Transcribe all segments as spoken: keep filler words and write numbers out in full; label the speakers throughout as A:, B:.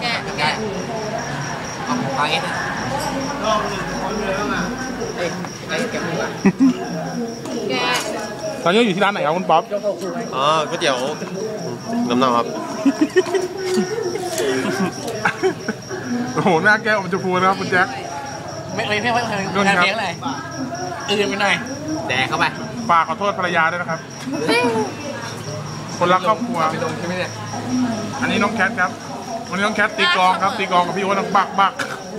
A: กะแกะเอาปลาเงี้ยรอบหนึ่งคนเลยบ้างอ่ะเอ้ยไอ้แกะมือแกะ
B: ตอนนี้อยู่ที่ร้านไหนครับคุณป๊อป
C: อ๋อก๋วยเตี๋ยวน้ำเน่าครับ
B: โอ้โหหน้าแก้วมันจะพูนะครับคุณแจ็ค
A: ไม่ไม่ไม่ไม่ไม่ไม่เลี้ยงเลยอื่นไปหน่อยแดกเข้าไป
B: ฝากขอโทษภรรยาด้วยนะครับคนรักครอบครัว
A: ไปลงใช่ไหมเนี่ย
B: อันนี้น้องแคทครับวันนี้น้องแคทตีกลองครับตีกลองกับพี่โอ๊ตบักบัก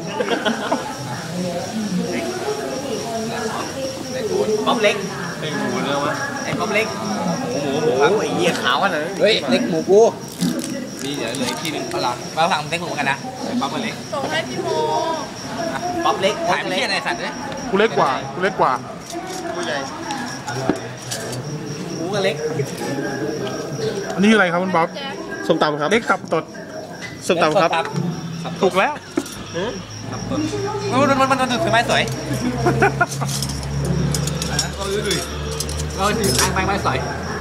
A: ป๊อปเล็ก
C: ไอ้หมูเนื้อวะ
A: ไอ้ป๊อปเล็ก
C: หมูหมูครับไอ้เหี้ยขาวกันเลย
A: เฮ้ยเล็กหมูกูนี่เดี๋ยวเหลืออีกทีนึงเอาหลังมาฝั่งเล็กหมูกันนะป๊อปเล็ก
D: ส่งให้พี่โม
A: ป๊อปเล็กถ่ายไม่ใช่ในสัตว์เลย
B: กูเล็กกว่ากูเล็กกว่า
C: ผู้ใหญ่
A: หมูกับเล็ก
B: อันนี้อะไรครับคุณป๊อป
C: ส้มตำครับ
B: เล็กขับตด
C: ส้มตำครับ
B: ถูกแล้ว
A: มันมันมันมันถึงไม้สวยเราดูดิเราถือไม้ไม้สวย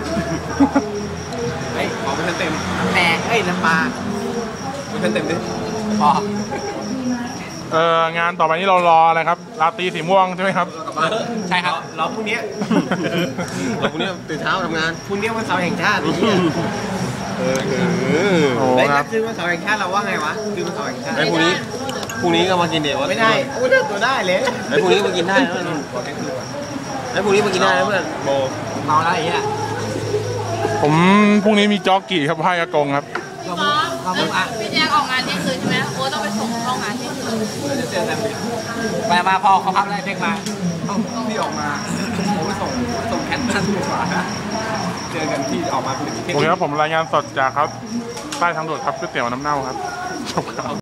A: เฮ้ยของมันเต็มแหนเฮ้ยน้ำปลามันเต็มดิพอ
B: เอองานต่อไปนี้เรารออะไรครับราตรีสีม่วงใช่ไหมครับ
A: ใช่ครับรอพรุ่งนี้
C: เราพรุ่งนี้ตื่นเช้าทำงาน
A: พรุ่งนี้วันเสาร์แห่งชาติ
C: เออเออ
A: แล้วคือวันเสาร์แห่งชาติเราว่าไงวะคือวันเสาร์แห่งชาติ
C: ไอ้พรุ่งนี้พรุ่งนี้ก็มากินเดี๋ยว
A: ไม่ได้โอ้ยตัวได้เลย
C: ไอ้พรุ่งนี้มากินได้แล้วไอ้พรุ่งนี้มากินได้แล้วเพื่อนโบ
A: เมาแล้วไอ้เนี่ย
B: ผมพรุ่งนี้มีจ็อกกี้ครับให้อากงครับ
D: พี่แจ๊คออกงานเที่ยงคืนใช่ไหมโอ้ต้องไปส่งเข้างานเที่ยงคืน
A: จะเจอกันมามาพอเขาพักได้เด็กมาพี่ออกมาผมไปส่งส่งแคทนั่นดีกว่าเจอกันที่ออกมา
B: โอเคครับผมรายงานสดจากครับใต้ทางด่วนครับก๋วยเตี๋ยวน้ำเน่าครับจบครับ